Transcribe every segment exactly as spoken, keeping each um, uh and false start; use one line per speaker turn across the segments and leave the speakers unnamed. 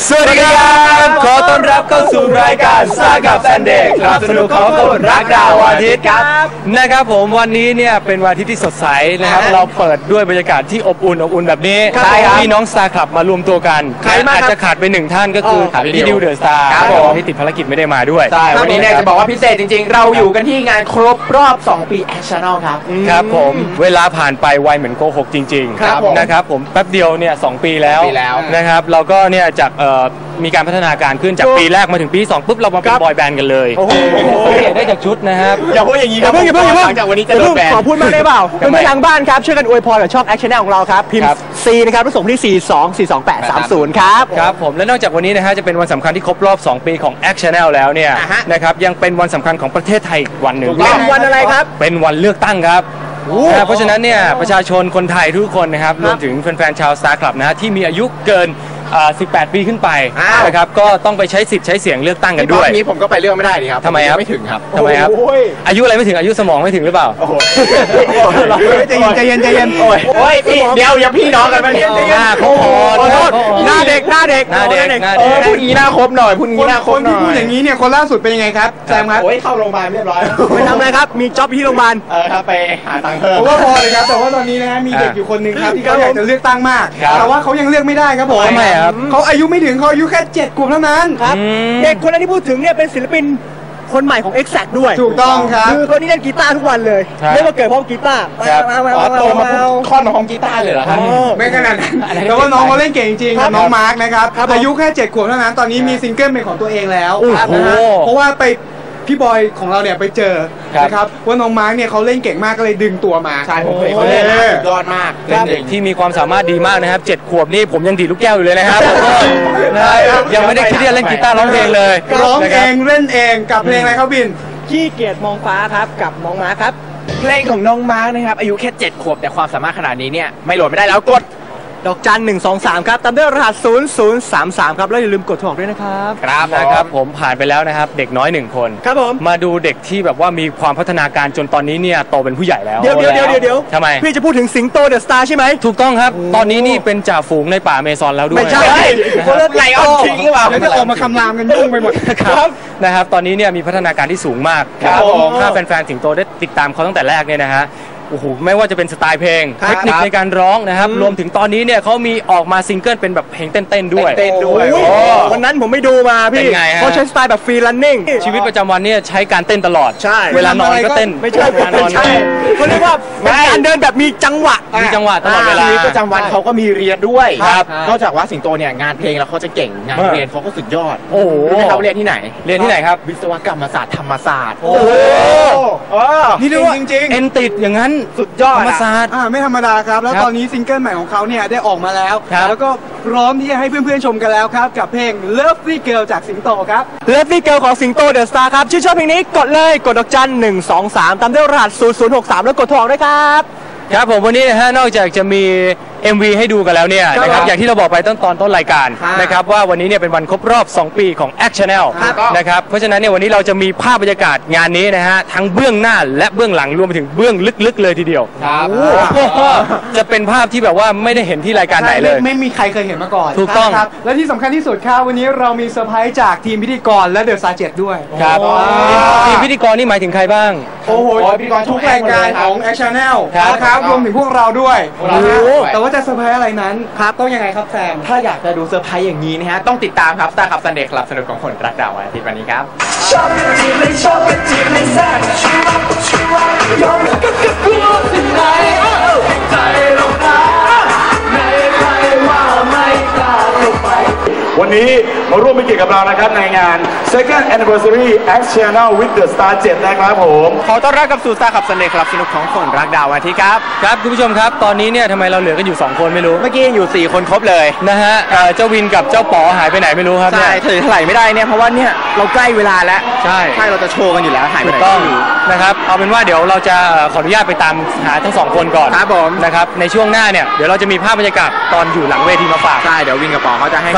สวัสดีครับขอต้อนรับเข้าสู่รายการซ่ากับแซนเดย์ครับสนุกของคนรักดาวอาทิตย์ครับนะครับผมวันนี้เนี่ยเป็นวันอาทิตย์ที่สดใสนะครับเราเปิดด้วยบรรยากาศที่อบอุ่นอบอุ่นแบบนี้พี่น้องสตาร์คลับมารวมตัวกันอาจจะขาดไปหนึ่งท่านก็คือพี่ดิวเดอะสตาร์ที่ติดภารกิจไม่ได้มาด้วย
ใช่วันนี้เนี่ยจะบอกว่าพิเศษจริงๆเราอยู่กันที่งานครบรอบสองปี Actional ครับ
ครับผมเวลาผ่านไปไวเหมือนโกหกจริงๆนะครับผมแป๊บเดียวเนี่ยสองปีแล้วนะครับเราก็เนี่ยจากมีการพัฒนาการขึ้นจากปีแรกมาถึงปีสองปุ๊บเรามาเป็นบอยแบนด์กันเลยสังเกตได้จากชุดนะครับ
อย่าพูดอย่างนี้ครับ
อย่าเพิ่งอย่าเพิ่ง
หลังจากวันนี้จะโดนแบน
ขอพูดมากได้เปล่าเป็นทางบ้านครับช่วยกันอวยพรกับช่อง Action ของเราครับพิมพ์ C นะครับส่งที่สี่สองสี่สองแปดสามศูนย์ครับ
ครับผมและนอกจากวันนี้นะฮะจะเป็นวันสำคัญที่ครบรอบสองปีของ Action แล้วเนี่ยนะครับยังเป็นวันสำคัญของประเทศไทยอีกวันหนึ่ง
เป็นวันอะไรครับ
เป็นวันเลือกตั้งครับเพราะฉะนั้นเนี่ยประชาชนคนไทยทุกคนนะครับรวมถึงแฟนๆชาวสตาร์คลับนะฮะที่มีอายุเกินสิบแปดปีขึ้นไปนะครับก็ต้องไปใช้สิทธิ์ใช้เสียงเลือกตั้งกันด้วย
นี้ผมก็ไปเลือกไม่ได้ดิครับ
ทำไมครับ
ไม่ถึงครับ
ทำไมครับอายุอะไรไม่ถึงอายุสมองไม่ถึงหรือเปล่า
โอ้โหใจเย็นใจเย็นใจเย็น
โอ้ยโอ้ยพี่เดี๋ยวอย่าพี่น้องกันมาเนี่ย
หน้าครบ
หน้าเด็กหน้าเด็ก
หน้าเด็กหน้าเด็ก
พูดงี้หน้าครบหน่อยพูดงี้หน้าครบหน่อย
คนที่พูดอย่างนี้เนี่ยคนล่าสุดเป็นยังไงครับแซมครับ
โอ้ยเข้าโรงพยาบาลเรียบร้อย
ไปทำอะไรครับมีจ็อบที่โรงพยาบาล
เออครับไปหาตังค์เพิ่ม
ผมว่าพอเลยครับแต่ว่าตอนนี้นะฮะมีเด็กอยู่คนหนึ่งครับที่เขาอยากจะเลือกตั้งมากแต่ว่าเขายังเลือกไม่ได้ครับผม
ทำไมครับ
เขาอายุไม่ถึงเขาอายุแค่เจ็ดขวบเท่านั้นครับเด็กคนนั้นที่พูดถึงเนี่ยเป็นศิลปินคนใหม่ของ Exact ด้วย
ถูกต้องครับ
คือคนนี้เล่นกีตาร์ทุกวันเลยเรียกว่าเกิดเพราะกีตาร์
อ๋อโตมาค่อนของกีตาร์เลยเหรอครับ
ไม่ขนาดนั้นแต่ว่าน้องเขาเล่นเก่งจริงน้องมาร์คนะครับอายุแค่เจ็ดขวบเท่านั้นตอนนี้มีซิงเกิลเป็นของตัวเองแล้วเพราะว่าไปพี่บอยของเราเนี่ยไปเจอนะครับว่าน้องมาร์กเนี่ยเขาเล่นเก่งมากก็เลยดึงตัวมา
ใช่ผมเคยเขาเล่นยอดมาก
เป็นเด็กที่มีความสามารถดีมากนะครับเจ็ดขวบนี่ผมยังดีดลูกแก้วอยู่เลยนะครับยังไม่ได้คิดที่จะเล่นกีตาร์ร้องเพลงเลย
ร้องเองเล่นเองกับเพลงอะไรครับบินขี้เกียจมองฟ้าครับกับน้องมาร์คครับ
เพลงของน้องมาร์กนะครับอายุแค่เจ็ดขวบแต่ความสามารถขนาดนี้เนี่ยไม่โหลดไม่ได้แล้วกด
ดอกจันหนึ่งสองสามครับตามด้วยรหัสศูนย์ศูนย์สามสามครับแล้วอย่าลืมกดโทรออกด้วยนะครับ
ครับนะครับผมผ่านไปแล้วนะครับเด็กน้อยหนึ่งคน
ครับผม
มาดูเด็กที่แบบว่ามีความพัฒนาการจนตอนนี้เนี่ยโตเป็นผู้ใหญ่แล้ว
เดี๋ยวเดี๋ยวเดี๋ยวเดี๋ยว
ทำไม
พี่จะพูดถึงสิงโตเดอะสตาร์ใช่ไหม
ถูกต้องครับตอนนี้นี่เป็นจ่าฝูงในป่าเมซอนแล้วด้วย
ไม่ใช่
คนละไลออนคิงหรือเปล่า
จะออกมาคำรามกันยุ่งไปหมด
ครับนะครับตอนนี้เนี่ยมีพัฒนาการที่สูงมากถ้าแฟนๆสิงโตได้ติดตามเขาตั้งแต่แรกเนี่ยนะฮะโอ้โหไม่ว่าจะเป็นสไตล์เพลงเทคนิคในการร้องนะครับรวมถึงตอนนี้เนี่ยเขามีออกมาซิงเกิลเป็นแบบเพลงเต้นๆด้วย
เต้นด้วย
วันนั้นผมไม่ดูมาพี่เขาใช้สไตล์แบบฟรีรันนิ่ง
ชีวิตประจำวันเนี่ยใช้การเต้นตลอด
ใช่
เวลานอนก็เต้น
ไม่ใช่การนอนเขาเรียกว่าการเดินแบบมีจังหวะ
มีจังหวะตลอดเวลา
ชีวิตประจำวันเขาก็มีเรียนด้วยครับนอกจากว่าสิงโตเนี่ยงานเพลงแล้วเขาจะเก่งงานเรียนเขาก็สุดยอด
โอ้โห
เขาเรียนที่ไหน
เรียนที่ไหนครับ
วิศวกรรมศาสตร์ธรรมศาสตร์
โอ้โห
นี่เรียกว่าจริง
ๆเอ็นติดอย่างนั้น
สุดยอด
ธรรมศาสตร์
ไม่ธรรมดาครับแล้วตอนนี้ซิงเกิลใหม่ของเขาเนี่ยได้ออกมาแล้วแล้วก็พร้อมที่จะให้เพื่อนๆชมกันแล้วครับกับเพลง Lovely Girl จากสิงโตครับ Lovely Girl ของสิงโตเดอะสตาร์ครับชื่นชอบเพลงนี้กดเลยกดดอกจันหนึ่งสองสามตามด้วยรหัสศูนย์ศูนย์หกสามแล้วกดโทรออกด้วยครับ
ครับผมวันนี้นะฮะนอกจากจะมี เอ็ม วี ให้ดูกันแล้วเนี่ยนะครับอย่างที่เราบอกไปต้นตอนต้นรายการนะครับว่าวันนี้เนี่ยเป็นวันครบรอบสองปีของ Action นะครับเพราะฉะนั้นเนี่ยวันนี้เราจะมีภาพบรรยากาศงานนี้นะฮะทั้งเบื้องหน้าและเบื้องหลังรวมไปถึงเบื้องลึกๆเลยทีเดียวจะเป็นภาพที่แบบว่าไม่ได้เห็นที่รายการไหนเลย
ไม่มีใครเคยเห็นมาก่อน
ถูกต้อง
ครับและที่สำคัญที่สุดครับวันนี้เรามีเซอร์ไพรส์จากทีมพิธีกรและเดอะซาเจ็ดด้วย
ครับทีมพิธีกรนี่หมายถึงใครบ้าง
โอ้โหพิธีกรทุกรายการของ Action นะครับรวมถึงพวกเราด้วยแต่ว่าจะเซอร์ไพรส์อะไรนั้นครับต้องยังไงครับแซม
ถ้าอยากจะดูเซอร์ไพรส์อย่างนี้นะฮะต้องติดตามครับสตาร์คับซันเดย์คลับสนุกของคนรักดาวอาทิตย์วันนี้ครับชอบกันจีเลยชอบกันจีเลยแซ่บชัวร์ชัวร์ยอมกันกับกูที่ไหนใจเราพาไม่ใครว่าไม่กล้าเข้าไปวันนี้มาร่วมเป็นเกียรติกับเรานะครับในงาน Second Anniversary Action with the Star เจ็ดนะครับผม
ขอต้อนรับกับสู่สตาร์คับซันเดย์คลับสนุกของคนรักดาวอาทิตย์ครับครับคุณผู้ชมครับตอนนี้เนี่ยทำไมเราเหลือกันอยู่สองคนไม่รู้
เมื่อกี้อยู่สี่คนครบเลย
นะฮะเจ้าวินกับเจ้าป๋อหายไปไหนไม่รู้ครับ
ใช่ถือเท่าไหร่ไม่ได้เนี่ยเพราะว่าเนี่ยเราใกล้เวลาแล้ว
ใช่
ใช่เราจะโชว์กันอยู่แล้วหายไปไหน
ต้องนะครับเอาเป็นว่าเดี๋ยวเราจะขออนุญาตไปตามหาทั้งสองคนก่อน
ครับผม
นะครับในช่วงหน้าเนี่ยเดี๋ยวเราจะมีภาพบรรยากาศตอนอยู่หลังเวทีมาฝาก
ใช่เดี๋ยววินกับป๋อเขาจะให้
ใครจะตื่น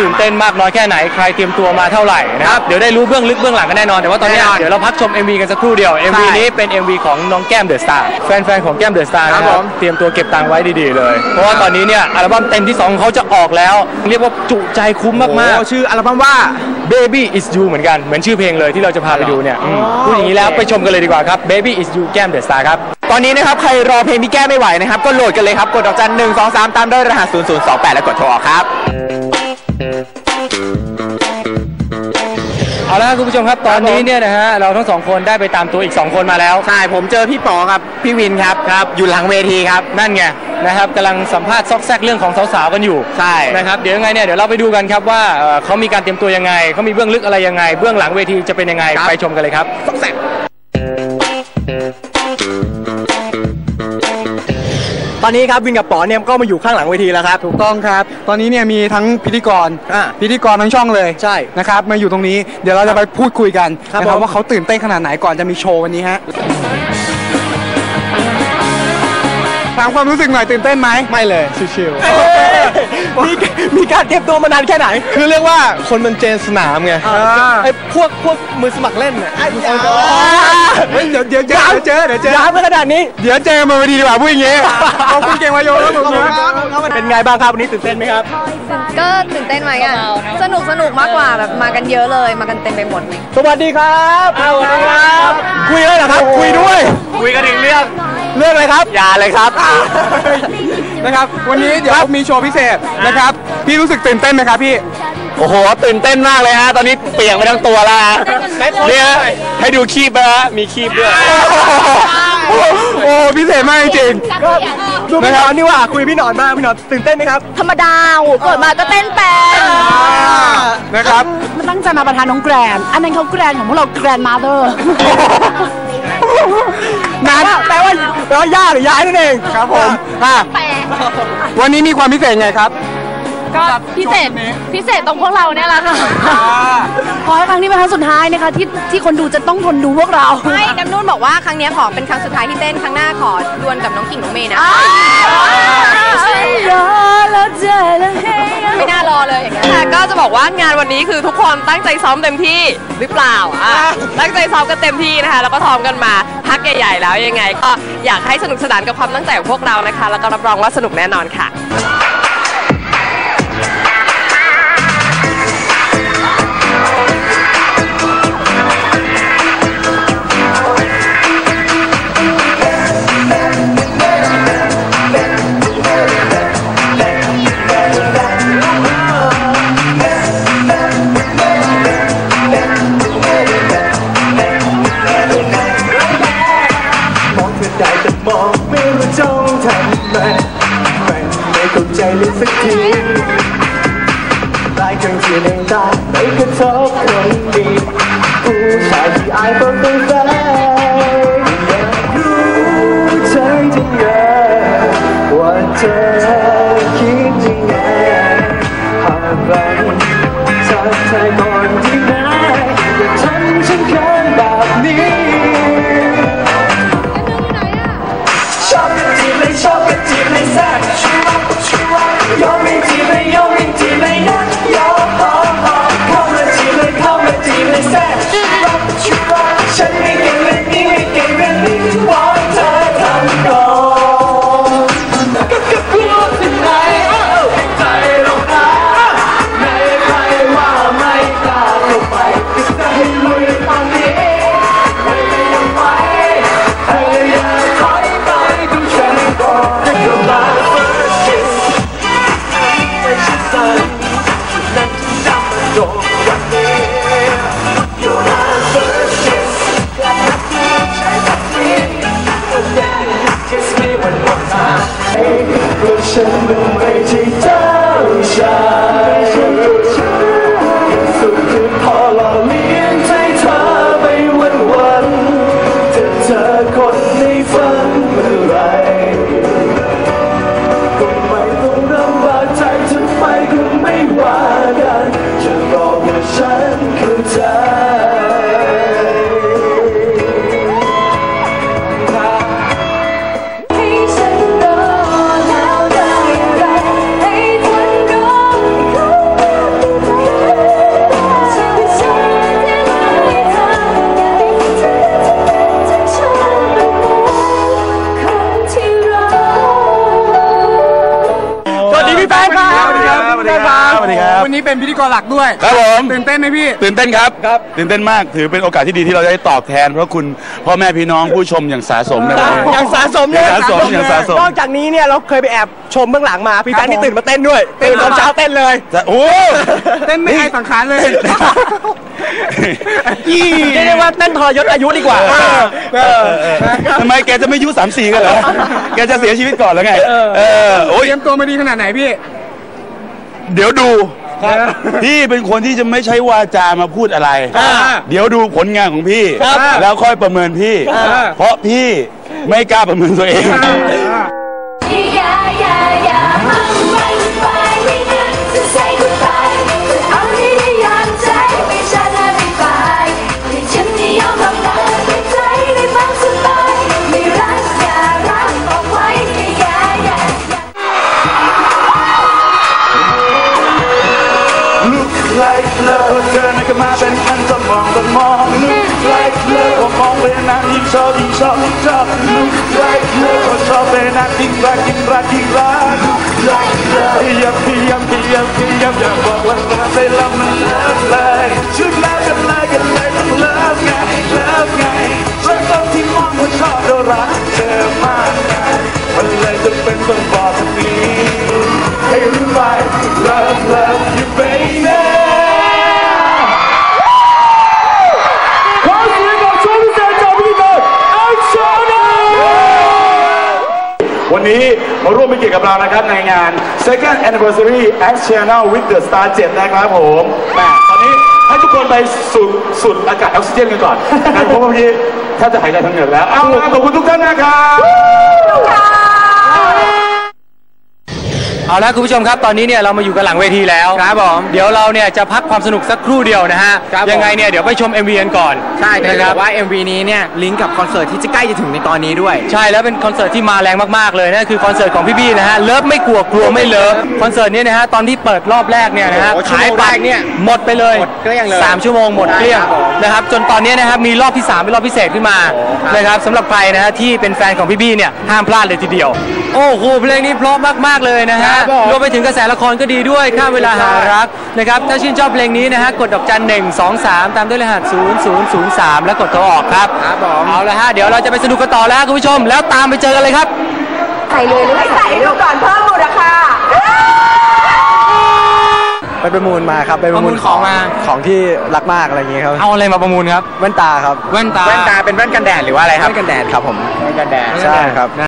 ตื่นเต้นมากน้อยแค่ไหนใครเตรียมตัวมาเท่าไหร่นะครับเดี๋ยวได้รู้เบื้องลึกเบื้องหลังกันแน่นอนแต่ว่าตอนนี้เดี๋ยวเราพักชม เอ็ม วี กันสักครู่เดียว เอ็ม วี นี้เป็น เอ็ม วี ของน้องแก้มเดอะสตาร์แฟนๆของแก้มเดอะสตาร์นะครับเตรียมตัวเก็บตังค์ไว้ดีๆเลยเพราะว่าตอนนี้เนี่ยอัลบั้มเต็มที่สองของเขาจะออกแล้วเรียกว่าจุใจคุ้มมากๆ
ชื่ออัลบั้มว่า
Baby is you เหมือนกันเหมือนชื่อเพลงเลยที่เราจะพาไปดูเนี่ยพูดอย่างนี้แล้วไปชมกันเลยดีกว่าครับ Baby is you แก้มเดอะสตาร์ครับ
ตอนนี้นะครับใครรอเพลงพี่แก้ไม่ไหวนะครับก็โหลดกันเลยครับกดดอกจันหนึ่งสองสามตามด้วยรหัสศูนย์ศูนย์สองแปดแล้วกดโทรออกครับ
เอาละคุณผู้ชมครับตอนนี้เนี่ยนะฮะเราทั้งสองคนได้ไปตามตัวอีกสองคนมาแล้ว
ใช่ผมเจอพี่ป๋อครับพี่วินครับครับอยู่หลังเวทีครับ
นั่นไงนะครับกำลังสัมภาษณ์ซอกแซกเรื่องของสาวๆกันอยู่
ใช่
นะครับเดี๋ยวยังไงเนี่ยเดี๋ยวเราไปดูกันครับว่าเขามีการเตรียมตัวยังไงเขามีเบื้องลึกอะไรยังไงเบื้องหลังเวทีจะเป็นยังไงไปชมกันเลยครับ
ซอกแซก
ตอนนี้ครับวินกับป๋อเนี่ยก็มาอยู่ข้างหลังเวทีแล้วครับถูกต้องครับตอนนี้เนี่ยมีทั้งพิธีกรพิธีกรทั้งช่องเลย
ใช่
นะครับมาอยู่ตรงนี้เดี๋ยวเราจะไปพูดคุยกันนะครับว่าเขาตื่นเต้นขนาดไหนก่อนจะมีโชว์วันนี้ฮะถามความรู้สึกหน่อยตื่นเต้นไหม
ไม่เลยชิว
ๆมีมีการเตรียมตัวมานานแค่ไหน
คือเรียกว่าคนมันเจนสนามไง
ไอ้พวกพวกมือสมัครเล่นเนี่ยเดี๋ยวเดี๋ยวเจอเจอเดี๋ยวเจอย้ำไปขนาดนี้
เดี๋ยวเจอมาพอดีดีกว่าพูดอย่างงี้
ขอบคุณเก่งวายโยแล้วผมเป็นไงบ้างครับวันนี้ตื่นเต้นไหมครับ
ก็ตื่นเต้นไหมอ่ะสนุกสนุกมากกว่าแบบมากันเยอะเลยมากันเต็มไปหมดเลย
สวัสดีครับสวัสดีครับคุยเลยเหรอครับคุยด้วย
คุยกันถึงเรื่อง
เรื่องอะไรครับ
อย่าเลยครับ
นะครับวันนี้เดี๋ยวมีโชว์พิเศษนะครับพี่รู้สึกตื่นเต้นไหมครับพี่
โอ้โหตื่นเต้นมากเลยฮะตอนนี้เปียกไปทั้งตัวแล้วเนี่ยให้ดูคีบนะฮะมีคีบด้วย
โอ้พิเศษมากจริงๆนะครับนี่ว่าคุยพี่หนอนมากพี่หนอนตื่นเต้นไหมครับ
ธรรมดาโอ้เกิดมาก็เต้นเป็น
นะครับ
มันตั้งใจมาประทานน้องแกรนอันนั้นเขาแกรนของพวกเราแกรนมาเธอร์
นานแปลว่าแปลว่าย่าหรือยายนั่นเองครับผมวันนี้มีความพิเศษไงครับ
ก็พิเศษพิเศษตรงพวกเราเนี่ยแหละค่ะขอให้ครั้งนี้เป็นครั้งสุดท้ายนะคะที่ที่คนดูจะต้องทนดูพวกเราไม่น้ำนุ่นบอกว่าครั้งนี้ขอเป็นครั้งสุดท้ายที่เต้นครั้งหน้าขอดวลกับน้องกิ่งน้องเมย์นะไม่น่ารอเลยอย่างเงี้ยแต่ก็จะบอกว่างานวันนี้คือทุกคนตั้งใจซ้อมเต็มที่หรือเปล่าอ่ะตั้งใจซ้อมกันเต็มที่นะคะแล้วก็ซ้อมกันมาพักใหญ่ๆแล้วยังไงก็อยากให้สนุกสนานกับความตั้งใจของพวกเรานะคะแล้วก็รับรองว่าสนุกแน่นอนค่ะ
สักทีหลายครั้งที่ในตาไม่กระทบคนดีผู้ชายที่อายต้องเป็นแฟนอยากรู้ใจจริงว่าเธอคิดยังไงหากเราทักทายก่อนที่ไหนอย่าทำฉันเขินแบบนี้ชอบกันจีบเลยชอบกันจีบเลยแซ่บชัวร์ชัวร์ยอมไม่จีบเลยยอมไม่จีบเลยนะยอมเข้ามาจีบเลยเข้ามาจีบเลยแซ่บชัวร์ชัวร์ฉันไม่เก่งแบบนี้ไม่เก่งแบบนี้วอนเธอทำก่อนก็ก็กลัวที่ไหนใจลงนะไม่ใครว่าไม่กล้าเข้าไปก็จะให้ลุยตอนนี้ไม่ยังไหวเธออย่าถอยไปดูฉันก่อนให้เข้ามาฉันเป็นไม่ใช่เจ้าชายสุดคือพอหล่อเลี้ยงใจเธอไปวันวันจะเจอคนในฝันเมื่อไรก็ไม่ต้องลำบากใจทำไมก็ไม่ว่ากันจะรอ
นี้เป็นพิธีกรหลักด้วย
ครับผม
ตื่นเต้นไหมพี่
ตื่นเต้นครับตื่นเต้นมากถือเป็นโอกาสที่ดีที่เราจะได้ตอบแทนเพราะคุณพ่อแม่พี่น้องผู้ชมอย่างสาสมนะครับ
อย่างสะสม
อ
เนี่ย
ย่างสะสมอย่างสะสม
นอกจากนี้เนี่ยเราเคยไปแอบชมเบื้องหลังมาพี่แฟนที่ตื่นมาเต้นด้วยตื่นตอนเช้าเต้นเลย
จะโอ้
เต้นไม่ให้สังขารเลย
เรียกได้ว่าเต้นทรยศอายุดีกว่า
ทำไมแกจะไม่อายุสามสี่กันเหรอแกจะเสียชีวิตก่อนแล้วไงเออโอ้ย
เตรียมตัวมาดีขนาดไหนพี่
เดี๋ยวดูพี่เป็นคนที่จะไม่ใช้วาจามาพูดอะไร เดี๋ยวดูผลงานของพี่ แล้วค่อยประเมินพี่ เพราะพี่ไม่กล้าประเมินตัวเอง
Yeah, yeah, yeah, I'm right by me to say goodbye. Only the young time we shall not be by. ให้ฉันได้ยอมรับได้ด้วยใจได้บ้างสักหน่อยไม่รักอย่ารักเอาไว้ Yeah, yeah,
Look like love เธอนั้นก็มาเป็นพันจะมองแต่มอง Look like love มองไปนานยิ่งชอบยิ่งชอบยิ่งชอบ Look like love ชอบไปนานยิ่งรักยิ่งรักยิ่งรัก Look like love พยายามพยายามพยายามพยายามอยากบอกว่ารักไปแล้วมันเลิฟเลยชุดรักกันเลยกันเลยต้องเลิฟไงเลิฟไงรักตอนที่มองว่าชอบเรารักเธอมากไงมันเลยจะเป็นต้องบอกตรงนี้ให้รู้ไป Love love you baby วันนี้มาร่วมเป็นเกียรติกับเรานะครับในงาน Second Anniversary X Channel with the Star เจ็ดนะครับผมแหมตอนนี้ให้ทุกคนไปสูดสูดอากาศออกซิเจนกันก่อนนะเพราะว่าพี่ถ้าจะหายใจทางเหนือแล้ว เอาล่ะขอบคุณทุกท่านนะครับ
เอาละคุณผู้ชมครับตอนนี้เนี่ยเรามาอยู่กันหลังเวทีแล้วครับผมเดี๋ยวเราเนี่ยจะพักความสนุกสักครู่เดียวนะฮะยังไงเนี่ยเดี๋ยวไปชม เอ็ม วี กันก่อน
ใช่แต่
นะค
จะ
รั
บบ อกว่า เอ็ม วี นี้เนี่ยลิงก์กับคอนเสิร์ตที่จะใกล้จะถึงในตอนนี้ด้วย
ใช่แล้วเป็นคอนเสิร์ตที่มาแรงมากๆเลยนั่นคือคอนเสิร์ตของพี่บี้นะฮะเลิฟไม่กลัวกลัวไม่เลิฟคอนเสิร์ตเนี้นะฮะตอนที่เปิดรอบแรกเนี่ยนะฮะ
โอ้โห
ขายบัตร
ชั่วโมงแรกเนี่ย
หมดไปเลย
หมดเกลี้ยงเลย
สามชั่วโมงหมดเกลี้ยง
ใช่ครับผม
นะครับจนตอนนี้นะครับมีรอบที่สามเป็นรอบพิเศษขึ้นมานะครับสำหรับใครนะฮะที่เป็นแฟนของพี่บี้เนี่ยห้ามพลาดเลยทีเดียวโอ้โหเพลงนี้เพราะมากๆเลยนะฮะรวมไปถึงกระแสละครก็ดีด้วยข้ามเวลาหารักนะครับถ้าชื่นชอบเพลงนี้นะฮะกดดอกจันหนึ่งสองสามตามด้วยรหัสศูนย์ศูนย์ศูนย์สามแล้วกดโทรออกครับครับผมเอาละฮะเดี๋ยวเราจะไปสนุกกันต่อแล้วคุณผู้ชมแล้วตามไปเจอกันเลยครับ
ใส่เลยหรือไม่ใส่ดูก่อนเพิ่มมูลค่า
ไปประมูลมาครับไปประมูล
ประมูลของมา
ของที่รักมากอะไรอย่างเงี้ยครับ
เอาอะไรมาประมูลครับ
แว่นตาครับ
แว่นตา
แว่นตาเป็นแว่นกันแดดหรือว่าอะไรครับ
แว่นกันแดดครับผม
แว่นกันแดด
ใช่ครับ